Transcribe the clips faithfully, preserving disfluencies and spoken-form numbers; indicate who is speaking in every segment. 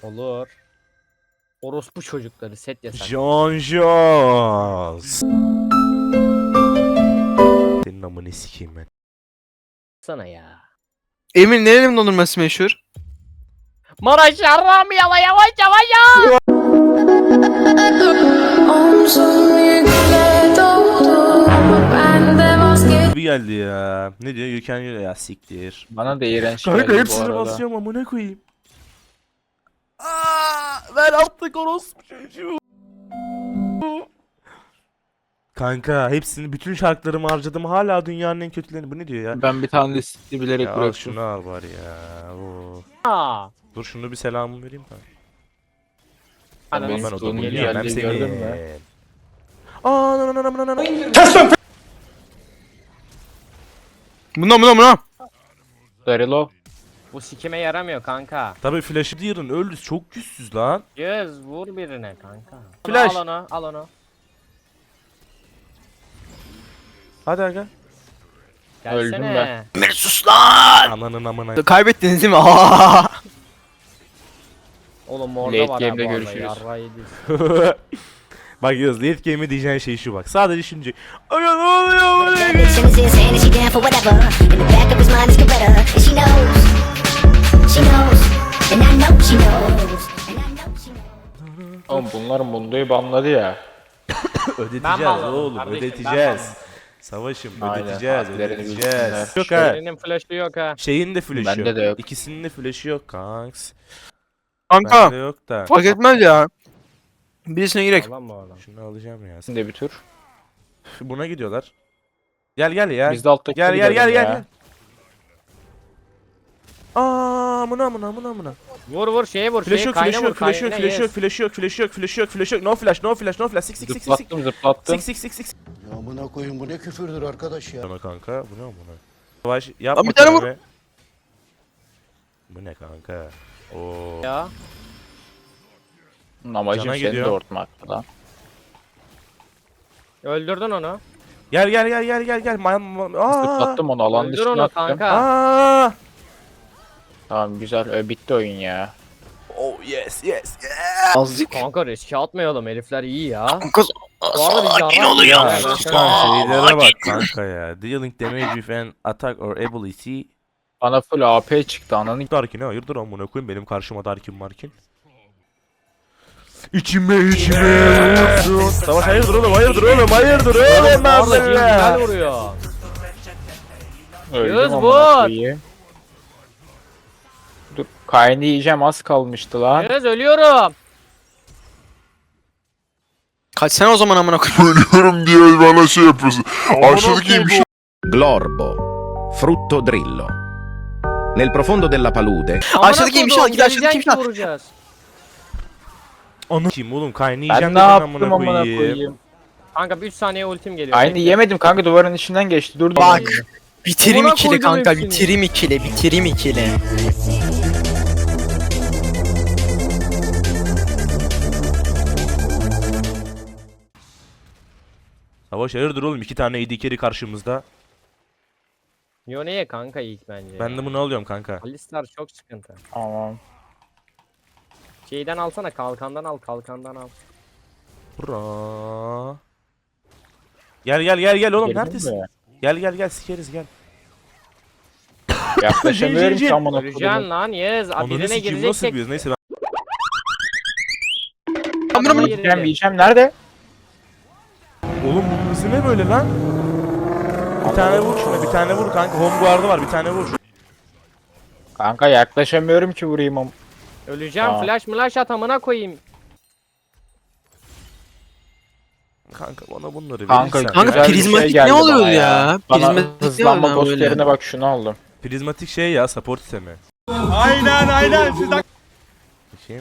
Speaker 1: Olur. Orospu çocukları set yasak.
Speaker 2: John Jones. Senin amını sikeyim ben.
Speaker 1: Sana ya.
Speaker 3: Emir nerenin dondurması meşhur?
Speaker 1: Maraş yarram yala yavaş yavaş ya.
Speaker 4: Omzum yükle doldu. Bende vazgeç.
Speaker 2: Bir geldi ya. Ne diyor? You can ya siktir.
Speaker 5: Bana da iğrenç
Speaker 2: Kanka
Speaker 5: geldi bu
Speaker 2: hepsini
Speaker 5: arada.
Speaker 2: basıyorum amına koyayım. Aa, ben attık orospu çocuğu. Kanka hepsini bütün şarkılarımı harcadım hala dünyanın en kötülerini. Bu ne diyor ya?
Speaker 5: Ben bir tane de sizi bilerek
Speaker 2: Ya al
Speaker 5: bıraktım.
Speaker 2: şunu al bari ya. Oo.
Speaker 1: Aa.
Speaker 2: Dur şunu bir selamımı vereyim kanka.
Speaker 1: Ananı
Speaker 5: benim
Speaker 2: Ben o
Speaker 5: sonu
Speaker 2: topu
Speaker 1: geliyor,
Speaker 2: yiyemem
Speaker 5: geldi, gördün mü?
Speaker 2: seni. Aa nan nan nan nan nan.
Speaker 3: Buna buna buna.
Speaker 5: Darilo.
Speaker 1: Bu sikime yaramıyor kanka.
Speaker 2: Tabii flash'ı diyerin öldü çok güçsüz lan.
Speaker 1: Yüz vur birine kanka.
Speaker 2: Flash.
Speaker 1: Al onu al onu.
Speaker 2: Hadi aga.
Speaker 5: Öldüm
Speaker 1: Gelsene.
Speaker 5: ben.
Speaker 3: Emir sus lan.
Speaker 2: Ananın amına.
Speaker 3: Kaybettiniz değil mi? Aa!
Speaker 1: Oğlum orada
Speaker 5: Late
Speaker 1: var
Speaker 5: game'de
Speaker 1: ha bu arada,
Speaker 5: görüşürüz.
Speaker 1: yarrağı yediyiz.
Speaker 2: Bak Yağız late game'e diyeceğin şey şu bak. Sadece şimdi. Aga ne oluyor buraya?
Speaker 6: Bitch is insane and she down for whatever. In the back of his mind is Coretta, and she knows, she knows, and I know she knows, and I know she knows.
Speaker 5: Oğlum bunlar Mundo'yu banladı ya.
Speaker 2: Ödeteceğiz
Speaker 1: banladım
Speaker 2: oğlum
Speaker 1: kardeşim, ben
Speaker 2: ödeteceğiz.
Speaker 1: banladım.
Speaker 2: Savaşım
Speaker 5: Aynen,
Speaker 2: ödeteceğiz
Speaker 5: harflerini
Speaker 2: ödeteceğiz.
Speaker 5: bilsinler.
Speaker 2: Yok ha.
Speaker 1: Birinin flash'ı yok ha.
Speaker 2: Şeyin de flash'ı
Speaker 5: Bende
Speaker 2: yok.
Speaker 5: de yok.
Speaker 2: İkisinin de flash'ı yok kanks.
Speaker 3: Kanka
Speaker 2: Bende yok da.
Speaker 3: fark etmez ya. Birisine girek.
Speaker 1: Lan bu adam.
Speaker 2: Şunu alacağım ya.
Speaker 5: Şimdi bir tur.
Speaker 2: Buna gidiyorlar. Gel gel ya.
Speaker 5: Biz de alttaki
Speaker 2: Gel
Speaker 5: turu
Speaker 2: gel gel
Speaker 5: gidelim
Speaker 2: gel.
Speaker 5: ya.
Speaker 2: gel. Aa mına mına mına mına.
Speaker 1: Vur vur şeye vur
Speaker 2: Flash
Speaker 1: şeye
Speaker 2: yok,
Speaker 1: kayna
Speaker 2: flash
Speaker 1: vur
Speaker 2: yok, flash yok,
Speaker 1: kayna,
Speaker 2: flash
Speaker 1: yes.
Speaker 2: yok, flash yok, flash yok, flash yok, flash yok, no flash, no flash, no flash, sik sik sik sik sik.
Speaker 5: Zıplattım zıplattım.
Speaker 2: Sik sik sik sik.
Speaker 7: Ya amına koyun bu ne küfürdür arkadaş ya.
Speaker 2: Sana kanka, bu ne amına? Savaş yapma.
Speaker 3: Lan bir tane vur.
Speaker 2: kendime. Bu ne kanka? Oo.
Speaker 1: Ya.
Speaker 5: Amacım
Speaker 2: Cana
Speaker 5: seni
Speaker 2: gidiyor.
Speaker 5: doğurtmak lan.
Speaker 1: Öldürdün onu.
Speaker 2: Gel gel gel gel gel gel. Ma ma aa.
Speaker 5: Zıplattım onu alan
Speaker 1: Öldür
Speaker 5: dışına
Speaker 1: onu
Speaker 5: attım.
Speaker 1: kanka.
Speaker 2: Aa.
Speaker 5: Tamam güzel ö, bitti oyun ya.
Speaker 2: Oh yes yes. yes.
Speaker 3: Azıcık.
Speaker 1: Kanka riske atmayalım herifler iyi ya.
Speaker 3: Kız
Speaker 1: Bu arada biz
Speaker 3: sakin
Speaker 1: yarrak
Speaker 3: olun
Speaker 1: yiyoruz
Speaker 3: ya.
Speaker 1: ha, ben sana-
Speaker 2: Çıkan şeylere bak kanka ya. Dealing damage with an attack or ability.
Speaker 5: Bana full A P çıktı ananı.
Speaker 2: Darkin hayırdır amına koyayım benim karşıma Darkin Markin. İçime içime vursun. Savaş hayırdır oğlum hayırdır oğlum hayırdır oğlum
Speaker 1: Bu arada Jim güzel
Speaker 2: ben
Speaker 1: vuruyor. Yüz
Speaker 5: Öldüm
Speaker 1: vur.
Speaker 5: amına koyayım. Dur kaynı yiyeceğim az kalmıştı lan.
Speaker 1: Yüz ölüyorum.
Speaker 3: kaçsana o zaman amına koyayım.
Speaker 8: Ölüyorum diye bana şey yapıyorsun. Aşağıdaki bir şey
Speaker 9: Glorbo, frutto drillo. Nel profondo della palude,
Speaker 1: Amına
Speaker 3: Aşağıdaki yemiş
Speaker 1: koyduğum,
Speaker 3: al, git aşağıdaki
Speaker 1: geleceksin
Speaker 3: yemiş
Speaker 1: ki
Speaker 3: al.
Speaker 1: vuracağız.
Speaker 2: Onu kim oğlum kaynı
Speaker 5: Ben
Speaker 2: yiyeceğim
Speaker 5: ne
Speaker 2: dedin
Speaker 5: yaptım amına
Speaker 2: koyayım.
Speaker 5: koyayım.
Speaker 1: Kanka bir üç saniye ultim geliyor.
Speaker 5: Aynı
Speaker 1: Bekle.
Speaker 5: yemedim kanka duvarın içinden geçti. Dur dur.
Speaker 3: Bak. Bitirim
Speaker 1: Amına
Speaker 3: ikili
Speaker 1: koydum
Speaker 3: kanka,
Speaker 1: hepsini.
Speaker 3: bitirim ikili, bitirim ikili.
Speaker 2: Savaş hayırdır oğlum iki tane A D carry karşımızda.
Speaker 1: Yone'ye kanka ilk bence.
Speaker 2: Ben de bunu alıyorum kanka.
Speaker 1: Alistar çok sıkıntı.
Speaker 5: Tamam.
Speaker 1: Şeyden alsana kalkandan al kalkandan al.
Speaker 2: Bra. Gel gel gel gel oğlum
Speaker 5: Geldin
Speaker 2: neredesin?
Speaker 5: mi?
Speaker 2: Gel gel gel sikeriz gel.
Speaker 5: Yaklaşamıyorum
Speaker 2: Jin, jin,
Speaker 5: ki amına
Speaker 1: Öleceksin
Speaker 5: koyayım.
Speaker 1: lan yes. Abi
Speaker 2: Ananı
Speaker 1: birine
Speaker 2: sikeyim nasıl
Speaker 1: gireceksek
Speaker 2: biliyoruz neyse ben.
Speaker 1: adama
Speaker 5: Yiyeceğim
Speaker 1: girelim.
Speaker 5: yiyeceğim nerede?
Speaker 2: Oğlum bu hızı ne böyle lan? Bir tane vur şuna bir tane vur kanka home guard'ı var bir tane vur.
Speaker 5: Kanka yaklaşamıyorum ki vurayım am.
Speaker 1: Öleceğim
Speaker 5: Aa.
Speaker 1: flash flash at amına koyayım.
Speaker 2: Kanka bana bunları
Speaker 5: Kanka,
Speaker 2: verirsen.
Speaker 3: Kanka
Speaker 5: Güzel bir şey
Speaker 3: prizmatik
Speaker 5: geldi
Speaker 3: ne
Speaker 5: bana
Speaker 3: oluyor
Speaker 5: ya.
Speaker 3: ya?
Speaker 5: Bana
Speaker 3: Prizmatik ne
Speaker 5: hızlanma
Speaker 3: oluyor
Speaker 5: ghost
Speaker 3: böyle?
Speaker 5: yerine bak şunu aldım.
Speaker 2: Prizmatik şey ya support sistemi. Aynen aynen siz Bakayım.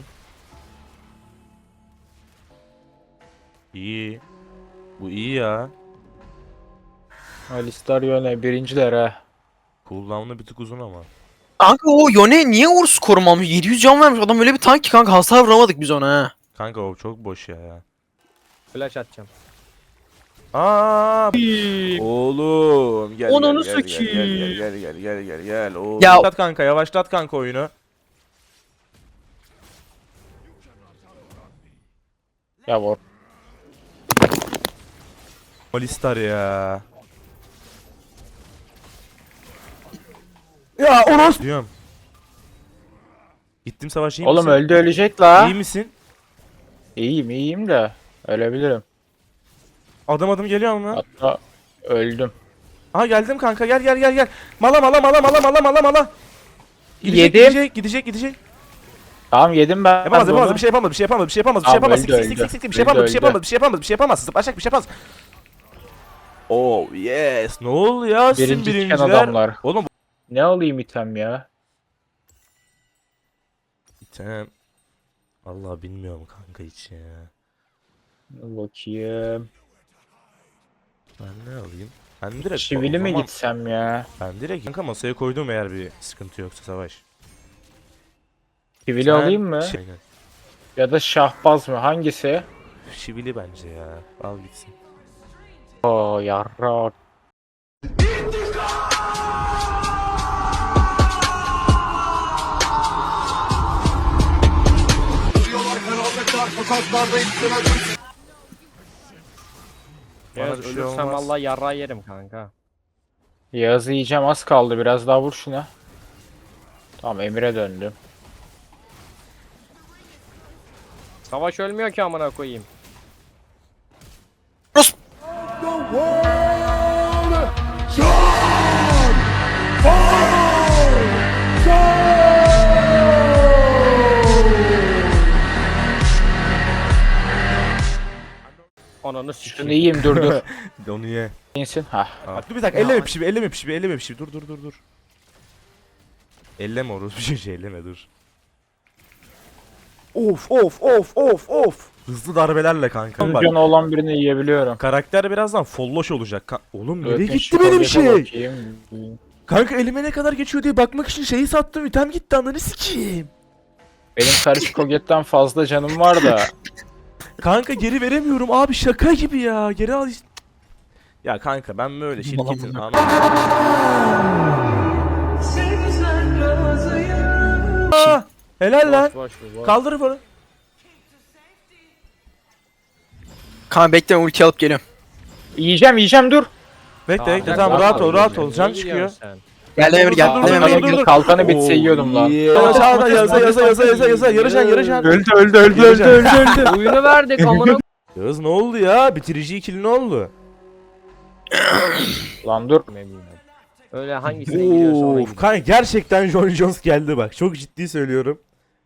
Speaker 2: İyi. Bu iyi ya.
Speaker 5: Alistar yöne birinciler ha.
Speaker 2: Cooldown'u bir tık uzun ama.
Speaker 3: Kanka o Yone niye Urus korumamış? yedi yüz can vermiş adam, öyle bir tank ki kanka, hasar vuramadık biz ona ha.
Speaker 2: Kanka o çok boş ya.
Speaker 1: Flash atacağım.
Speaker 2: Aa! Oğlum gel
Speaker 1: Onunu
Speaker 2: gel, gel, gel,
Speaker 1: sikeyim.
Speaker 2: gel gel gel gel gel gel. Oğlum.
Speaker 3: Ya-
Speaker 2: Yavaşlat kanka yavaşlat kanka oyunu.
Speaker 5: Ya vur.
Speaker 2: Alistar ya. Ya Oros. Diyorum. Gittim savaş iyi
Speaker 5: Oğlum
Speaker 2: misin?
Speaker 5: öldü ölecek la.
Speaker 2: İyi misin?
Speaker 5: İyiyim iyiyim de. Ölebilirim.
Speaker 2: Adım adım geliyor mu?
Speaker 5: Hatta öldüm.
Speaker 2: Aha geldim kanka gel gel gel gel. Mala mala mala mala mala mala mala. Gidecek,
Speaker 5: Yedim.
Speaker 2: Gidecek gidecek gidecek.
Speaker 5: Tamam yedim ben.
Speaker 2: Yapamaz
Speaker 5: bunu.
Speaker 2: yapamaz bir şey yapamaz bir şey yapamaz bir şey yapamaz bir şey
Speaker 5: Tamam,
Speaker 2: yapamaz.
Speaker 5: öldü,
Speaker 2: Sik sik
Speaker 5: öldü.
Speaker 2: sik sik bir şey
Speaker 5: Öldü,
Speaker 2: yapamaz bir şey
Speaker 5: öldü.
Speaker 2: yapamaz bir şey yapamaz bir şey yapamaz. Zıplaşacak bir şey yapamaz. Oh yes. Ne oluyor sizin
Speaker 5: Birinci çıkan
Speaker 2: birinciler?
Speaker 5: adamlar.
Speaker 2: Oğlum
Speaker 5: Ne alayım item ya?
Speaker 2: item. Allah bilmiyorum kanka hiç ya.
Speaker 5: Bakayım.
Speaker 2: Ben ne alayım? Ben direkt
Speaker 5: Çivili
Speaker 2: o
Speaker 5: mi
Speaker 2: zaman-
Speaker 5: gitsem ya?
Speaker 2: Ben direkt kanka masaya koydum eğer bir sıkıntı yoksa Savaş.
Speaker 5: Çivili
Speaker 2: Sen
Speaker 5: alayım mı?
Speaker 2: şey- Aynen.
Speaker 5: Ya da şahbaz mı? Hangisi?
Speaker 2: Şivili bence ya. Al gitsin.
Speaker 5: Oo yarrak.
Speaker 2: Bana
Speaker 1: Yağız
Speaker 2: bir şey
Speaker 1: ölürsem
Speaker 2: olmaz.
Speaker 1: vallahi yarrağı yerim kanka.
Speaker 5: Yağız'ı yiyeceğim az kaldı. Biraz daha vur şuna. Tamam Emir'e döndüm.
Speaker 1: Savaş ölmüyor ki amına koyayım. Ananı
Speaker 5: Şunu
Speaker 1: sikeyim.
Speaker 5: yiyeyim dur dur.
Speaker 2: Onu ye.
Speaker 5: İnsin. Hah.
Speaker 2: Bak dur bir dakika elleme pişi elleme pişi elleme pişi dur dur dur dur. Elleme orası bir şey, şey elleme dur. Of of of of of. Hızlı darbelerle kanka. Bak,
Speaker 5: Canı olan birini yiyebiliyorum.
Speaker 2: karakter birazdan folloş olacak. Ka- Oğlum nereye
Speaker 5: Ötün
Speaker 2: gitti
Speaker 5: şu
Speaker 2: benim
Speaker 5: kolyefe
Speaker 2: şey?
Speaker 5: bakayım.
Speaker 2: Kanka elime ne kadar geçiyor diye bakmak için şeyi sattım. İtem gitti ananı sikeyim.
Speaker 5: Benim karışık kogetten fazla canım var da.
Speaker 2: Kanka geri veremiyorum abi şaka gibi ya. Geri al. işte. Ya kanka ben böyle şirketin anam. Aa, helal lan.
Speaker 1: Boş boş bu boş.
Speaker 2: Kaldır bunu.
Speaker 3: Kanka bekle ulti alıp geliyorum.
Speaker 5: Yiyeceğim yiyeceğim dur.
Speaker 2: Bekle bekle
Speaker 1: Tamam,
Speaker 2: tamam
Speaker 1: rahat
Speaker 2: rahat ol
Speaker 1: ol,
Speaker 2: rahat ol.
Speaker 1: niye
Speaker 2: Can
Speaker 1: gidiyorsun
Speaker 2: çıkıyor.
Speaker 1: sen?
Speaker 3: Geldim Emir
Speaker 2: dur,
Speaker 3: geldim
Speaker 2: dur,
Speaker 3: Emir
Speaker 2: dur,
Speaker 3: geldim.
Speaker 2: dur, dur.
Speaker 5: Kalkanı bitse yiyordum lan.
Speaker 2: Yaza yaza yaza yaza yaza yaza yarışan yarışan.
Speaker 5: Öldü öldü öldü öldü öldü öldü.
Speaker 1: Oyunu verdik amına.
Speaker 2: Yağız ne oldu ya? Bitirici ikili ne oldu?
Speaker 5: Lan dur.
Speaker 1: Öyle hangisine gidiyorsa ona
Speaker 2: Of
Speaker 1: gidiyor.
Speaker 2: kanka gerçekten John Jones geldi bak. Çok ciddi söylüyorum.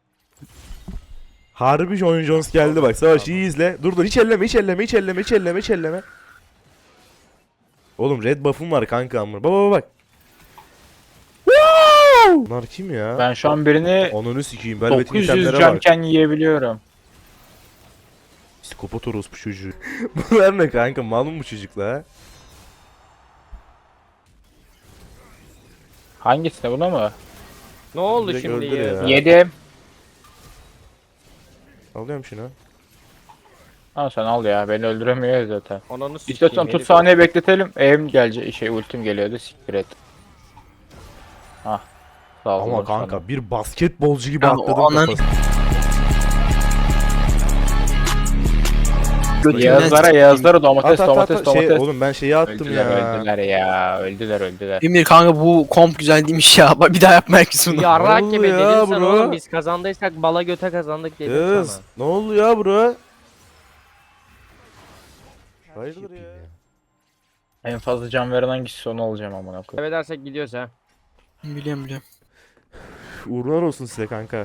Speaker 2: Harbi John Jones geldi bak. Savaş iyi izle. Dur dur hiç elleme hiç elleme hiç elleme hiç elleme hiç elleme. Oğlum red buff'um var kanka amına. Baba baba bak. Wow! Bunlar kim ya?
Speaker 5: Ben şu an birini
Speaker 2: Onunu sikeyim. Velvet
Speaker 5: dokuz yüz
Speaker 2: itemlere bak.
Speaker 5: canken yiyebiliyorum.
Speaker 2: Psikopat orospu çocuğu. Bunlar ne kanka? Mal mı bu çocukla?
Speaker 5: Hangisine buna mı?
Speaker 1: Ne oldu
Speaker 2: Direkt
Speaker 1: şimdi
Speaker 2: öldür
Speaker 1: ya?
Speaker 2: ya.
Speaker 5: Yedim.
Speaker 2: Alıyorum şunu.
Speaker 5: Ha sen al ya beni öldüremiyor ya zaten.
Speaker 1: Ananı sikeyim.
Speaker 5: İstiyorsan tut
Speaker 1: herif.
Speaker 5: saniye bekletelim. Eğim gelecek şey ultim geliyordu siktir et. Hah. Sağ ol.
Speaker 2: Ama kanka bir basketbolcu gibi
Speaker 3: Ya
Speaker 2: atladım
Speaker 3: o anan-
Speaker 2: kafasına.
Speaker 5: Yağızlara Yağızlara domates
Speaker 2: At, at, at,
Speaker 5: domates
Speaker 2: at.
Speaker 5: domates.
Speaker 2: Şey, oğlum ben şeyi attım
Speaker 5: öldüler
Speaker 2: ya.
Speaker 5: öldüler ya. Öldüler öldüler.
Speaker 3: Emir kanka bu komp güzel değilmiş ya. Bak bir daha yapma herkes bunu.
Speaker 1: Yarrak
Speaker 2: Ne
Speaker 1: gibi
Speaker 2: oldu ya
Speaker 1: dedin sen
Speaker 2: bro?
Speaker 1: oğlum biz kazandıysak bala göte kazandık dedim
Speaker 2: Kız
Speaker 1: sana.
Speaker 2: ne oldu ya bro? Hayırdır ya?
Speaker 5: En fazla can veren hangisi onu alacağım amına koyayım.
Speaker 1: Kaybedersek gidiyoruz ha.
Speaker 3: Biliyorum biliyorum.
Speaker 2: Uğurlar olsun size kanka.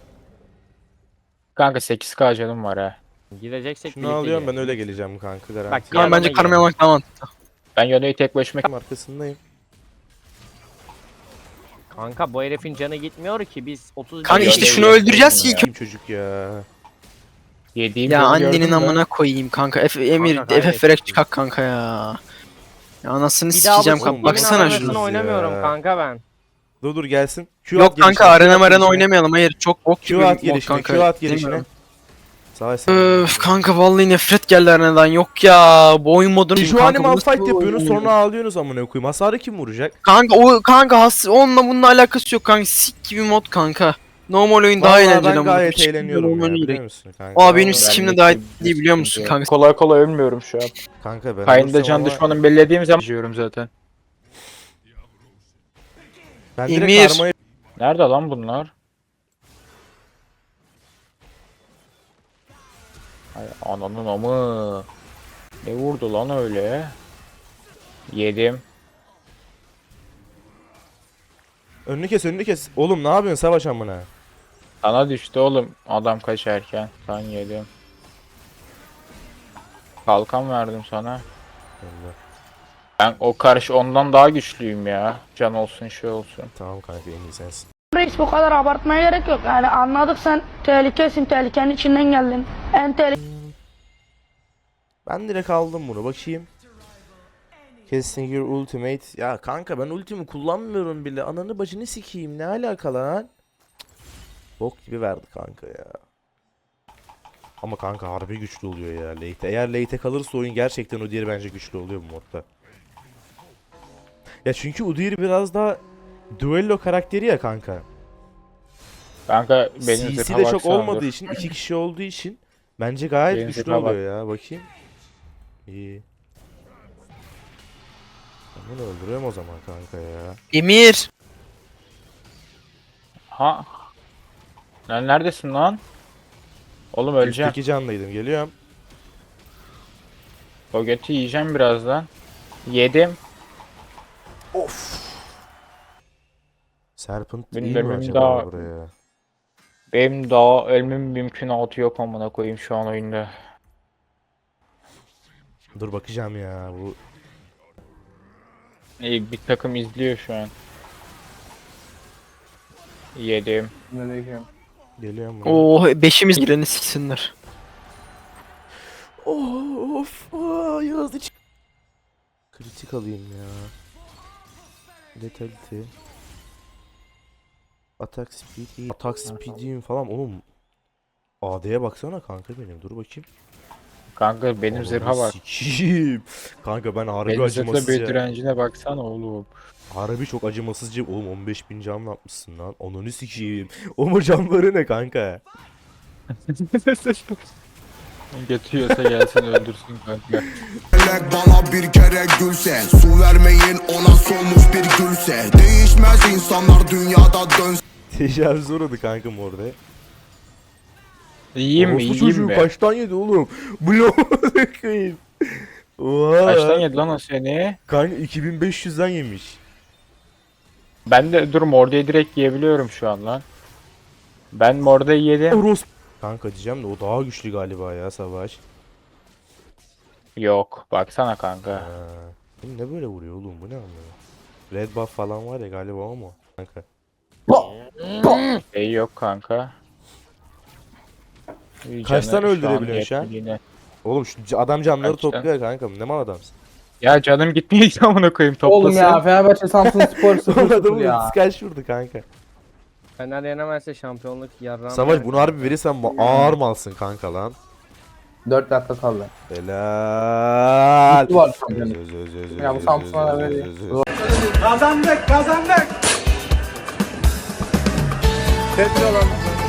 Speaker 5: Kanka sekiz k canım var ha.
Speaker 1: Gideceksek
Speaker 2: Şunu
Speaker 1: birlikte
Speaker 2: alıyorum ben
Speaker 1: gidelim.
Speaker 2: öyle geleceğim kanka garanti.
Speaker 1: Bak,
Speaker 3: Kanka bence
Speaker 1: Yanına
Speaker 3: karma
Speaker 1: gidelim.
Speaker 3: yamak tamam.
Speaker 5: Ben Yone'yi tek başıma
Speaker 2: arkasındayım.
Speaker 1: Kanka bu herifin canı gitmiyor ki biz otuz
Speaker 3: Kanka
Speaker 1: bir-
Speaker 3: işte
Speaker 5: Yone'yi
Speaker 3: şunu öldüreceğiz ki ilk
Speaker 2: Kim çocuk ya?
Speaker 5: yediğim
Speaker 3: Ya
Speaker 5: canı gördün
Speaker 3: annenin
Speaker 5: mü?
Speaker 3: amına koyayım kanka. F Emir
Speaker 1: Kanka
Speaker 3: F F
Speaker 1: kaybettik
Speaker 3: vererek
Speaker 1: biz.
Speaker 3: çıkak kanka ya. Ya anasını
Speaker 1: Bir daha bu
Speaker 3: sikeceğim
Speaker 2: oğlum,
Speaker 3: kanka.
Speaker 1: Yemin
Speaker 3: Baksana
Speaker 2: Baksana
Speaker 1: anasını
Speaker 3: şunu.
Speaker 2: şunu.
Speaker 1: oynamıyorum
Speaker 2: ya.
Speaker 1: kanka ben.
Speaker 2: Dur dur gelsin. Q
Speaker 3: Yok
Speaker 2: at
Speaker 3: kanka
Speaker 2: gelişine, Q
Speaker 3: arena
Speaker 2: at
Speaker 3: marena
Speaker 2: gelişine.
Speaker 3: oynamayalım. Hayır çok bok gibi
Speaker 2: Q at
Speaker 3: mod
Speaker 2: gelişine,
Speaker 3: kanka.
Speaker 2: Q at gelişine.
Speaker 3: Bilmiyorum.
Speaker 2: Sağ ol.
Speaker 3: Öf kanka vallahi nefret geldi arenadan. Yok ya bu oyun modunu
Speaker 2: Şu
Speaker 3: kanka,
Speaker 2: animal
Speaker 3: bu nasıl
Speaker 2: fight
Speaker 3: bir
Speaker 2: yapıyorsunuz
Speaker 3: oyun?
Speaker 2: sonra ağlıyorsunuz amına koyayım. Hasarı kim vuracak?
Speaker 3: Kanka o kanka has onunla bununla alakası yok kanka. Sik gibi mod kanka. Normal oyun daha
Speaker 2: Vallahi
Speaker 3: eğlenceli
Speaker 2: ben
Speaker 3: ama.
Speaker 2: gayet
Speaker 3: Hiç
Speaker 2: eğleniyorum
Speaker 3: normal
Speaker 2: ya
Speaker 3: oyun
Speaker 2: biliyor
Speaker 3: değil.
Speaker 2: musun kanka?
Speaker 3: Aa benim
Speaker 2: Vallahi-
Speaker 3: sikimle daha iyi biliyor musun kanka?
Speaker 5: Kolay kolay ölmüyorum şu an.
Speaker 2: Kanka ben
Speaker 5: Kayn'da
Speaker 2: olursam
Speaker 5: can
Speaker 2: ama
Speaker 5: düşmanım bellediğim zaman yiyorum zaten.
Speaker 2: ben direkt
Speaker 3: Emir.
Speaker 2: karmayı
Speaker 5: Nerede lan bunlar? Ay ananın amı. Ne vurdu lan öyle? Yedim.
Speaker 2: önünü kes önünü kes. Oğlum ne yapıyorsun savaş amına?
Speaker 5: Sana düştü oğlum adam kaçarken. Ben yedim. Kalkan verdim sana.
Speaker 2: Allah.
Speaker 5: Ben o karşı ondan daha güçlüyüm ya. Can olsun şey olsun.
Speaker 2: Tamam kanka en iyi sensin.
Speaker 10: Reis bu kadar abartmaya gerek yok. Yani anladık sen tehlikesin, tehlikenin içinden geldin. En tehlikeli
Speaker 2: Ben direkt aldım bunu bakayım. Casting your ultimate. Ya kanka ben ultimi kullanmıyorum bile. Ananı bacını sikeyim. Ne alaka lan? Bok gibi verdi kanka ya. Ama kanka harbi güçlü oluyor ya late. Eğer late kalırsa oyun gerçekten Udyr bence güçlü oluyor bu modda. Ya çünkü Udyr biraz daha duello karakteri ya kanka.
Speaker 5: Kanka benim
Speaker 2: C C
Speaker 5: zırha
Speaker 2: de çok
Speaker 5: baksana,
Speaker 2: olmadığı
Speaker 5: dur.
Speaker 2: için iki kişi olduğu için bence gayet
Speaker 5: Benim
Speaker 2: güçlü
Speaker 5: zırha bak.
Speaker 2: oluyor ya. Bakayım. İyi. Ben bunu öldürüyorum o zaman kanka ya.
Speaker 3: Emir.
Speaker 5: Ha. Lan neredesin lan? Oğlum öleceğim.
Speaker 2: Üstteki canlıydım. Geliyorum.
Speaker 5: O götü yiyeceğim birazdan. Yedim.
Speaker 2: Serpent
Speaker 5: Benim
Speaker 2: iyi
Speaker 5: de
Speaker 2: mi
Speaker 5: benim
Speaker 2: acaba
Speaker 5: daha-
Speaker 2: buraya?
Speaker 5: Benim daha ölmem mümkünatı yok amına koyayım şu an oyunda.
Speaker 2: Dur bakacağım ya bu.
Speaker 5: İyi bir takım izliyor şu an. Yedim.
Speaker 2: Geliyorum buraya.
Speaker 3: Oo beşimiz gireni siksinler.
Speaker 2: Of. Aa, Yağız iç. Kritik alayım ya. Letality. Attack speed iyi. Attack speed'im falan oğlum. A D'ye baksana kanka benim. Dur bakayım.
Speaker 5: Kanka benim
Speaker 2: Ananı
Speaker 5: zırha bak.
Speaker 2: sikeyim. Kanka ben harbi
Speaker 5: Benim zırhla bir
Speaker 2: acımasızca.
Speaker 5: direncine baksana oğlum.
Speaker 2: Harbi çok acımasızca. Oğlum on beş bin can yapmışsın lan. Ananı sikeyim. Oğlum o canları ne kanka?
Speaker 5: Getiriyorsa gelsin öldürsün kanka.
Speaker 8: bana bir kere gülse, su vermeyin ona solmuş bir gülse. Değişmez insanlar dünyada dönse.
Speaker 2: Tecavüz uğradı kankam orada.
Speaker 5: Yiyeyim mi?
Speaker 2: Orospu
Speaker 5: Yiyeyim
Speaker 2: çocuğu
Speaker 5: mi?
Speaker 2: kaçtan yedi oğlum? Bu ne koyayım? Oha.
Speaker 5: Kaçtan yedi lan o seni?
Speaker 2: Kanka iki bin beş yüzden yemiş.
Speaker 5: Ben de dur mordayı direkt yiyebiliyorum şu an lan. Ben mordayı yedim.
Speaker 2: Oros. Kanka diyeceğim de o daha güçlü galiba ya Savaş.
Speaker 5: Yok baksana kanka.
Speaker 2: Ha. Bu ne böyle vuruyor oğlum bu ne anlıyor? Red buff falan var ya galiba o mu? Kanka.
Speaker 5: Şey yok kanka.
Speaker 2: Kaç
Speaker 5: Canı
Speaker 2: tane
Speaker 5: şu an
Speaker 2: öldürebiliyorsun şu an?
Speaker 5: yetmediğine.
Speaker 2: Oğlum şu c- adam canları
Speaker 5: Kaçtan?
Speaker 2: topluyor kankam ne mal adamsın.
Speaker 5: Ya canım gitmiyor ki amına koyayım toplasın.
Speaker 11: Oğlum ya Fenerbahçe Samsun Spor sıfır
Speaker 2: Oğlum
Speaker 11: sıfır
Speaker 2: adamın
Speaker 11: ya.
Speaker 2: ultisi kaç vurdu kanka.
Speaker 1: Fener yenemezse şampiyonluk yarrağım.
Speaker 2: Savaş bunu harbi verirsen ma- ağır malsın kanka lan.
Speaker 11: dört dakika kaldı.
Speaker 2: Helal.
Speaker 11: Mutlu var şampiyonluk.
Speaker 2: Öz, öz, öz, öz,
Speaker 11: Ya bu
Speaker 2: öz,
Speaker 11: Samsun'a
Speaker 2: öz,
Speaker 11: da
Speaker 2: öz,
Speaker 11: veriyor.
Speaker 2: öz, öz.
Speaker 11: Kazandık kazandık. Petrol alın.